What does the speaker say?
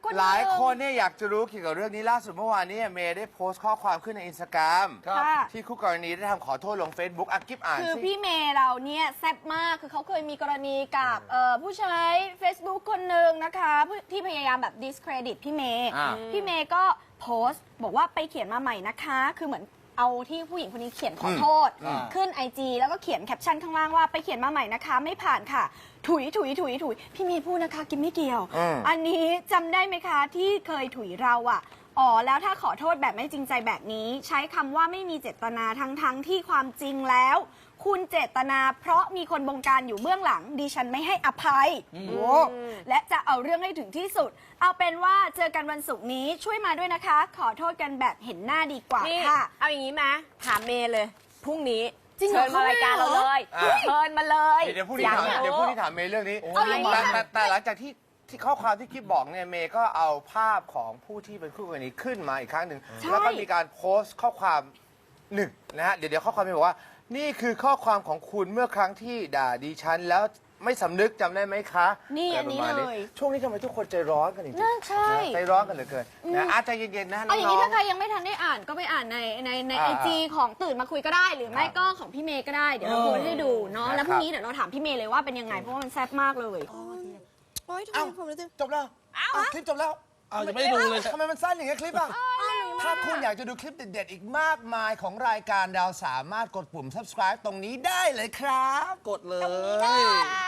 คนหลายคนเนี่ยอยากจะรู้เกี่ยวกับเรื่องนี้ล่าสุดเมื่อวานนี้เมย์ได้โพสต์ข้อความขึ้นในอินสตาแกรมค่ะที่คู่กรณีได้ทำขอโทษลง Facebook อ่ะกิ๊บอ่านคือสิพี่เมย์เราเนี่ยแซ่บมากคือเขาเคยมีกรณีกับผู้ใช้ Facebook คนหนึ่งนะคะที่พยายามแบบ discredit พี่เมย์ พี่เมย์ก็โพสต์บอกว่าไปเขียนมาใหม่นะคะคือเหมือนเอาที่ผู้หญิงคนนี้เขียนขอโทษขึ้น IG แล้วก็เขียนแคปชั่นข้างล่างว่าไปเขียนมาใหม่นะคะไม่ผ่านค่ะถุยพี่เมย์พูดนะคะกินไม่เกี่ยวอันนี้จำได้ไหมคะที่เคยถุยเราอ่ะอ๋อแล้วถ้าขอโทษแบบไม่จริงใจแบบนี้ใช้คำว่าไม่มีเจตนาทั้งที่ความจริงแล้ว คุณเจตนาเพราะมีคนบงการอยู่เบื้องหลังดิฉันไม่ให้อภัยโอ้และจะเอาเรื่องให้ถึงที่สุดเอาเป็นว่าเจอกันวันศุกร์นี้ช่วยมาด้วยนะคะ ขอโทษกันแบบเห็นหน้าดีกว่านี่ค่ะเอาอย่างนี้ไหมถามเมย์เลยพรุ่งนี้จริงเหรอเชิญมารายการเราเลย เชิญมาเลยเดี๋ยวพูดที่ถามอยกรู้เดี๋ยวพูดที่ถามเมย์เรื่องนี้เอาอย่างนี้แต่หลังจากที่ข้อความที่กิ๊บบอกเนี่ยเมย์ก็เอาภาพของผู้ที่เป็นคู่กรณีขึ้นมาอีกครั้งหนึ่งแล้วก็มีการโพสต์ข้อความหนึ่งนะฮะเดี๋ยวข้อความเมย์บอกว่านี่คือข้อความของคุณเมื่อครั้งที่ด่าดิฉันแล้วไม่สำนึกจำได้ไหมคะนี่ะไรอันนี้ประมาณเลยช่วงนี้ทำไมทุกคนใจร้อนกันจริงๆน่าใช่ใจร้อนกันเหลือเกินนะอาจจะเย็นๆนะน้เอาอย่างนี้องถ้าใครยังไม่ทันได้อ่านก็ไปอ่านในไอจีของตื่นมาคุยก็ได้ หรือไม่ก็ของพี่เมย์ก็ได้เดี๋ยวเราโพสต์ให้ดูเนาะแล้วพรุ่งนี้เดี๋ยวเราถามพี่เมย์เลยว่าเป็นยังไงเพราะว่ามันแซ่บมากเลยโอ๊ยทำไมผมรู้สึกจบแล้วคลิปจบแล้วเอาจะไม่ได้ดูเลยทำไมมันสั้นอย่างเงี้ยคลิปอ่ะ ถ้าคุณอยากจะดูคลิปเด็ดๆ อีกมากมายของรายการเราสามารถกดปุ่ม subscribe ตรงนี้ได้เลยครับกดเลย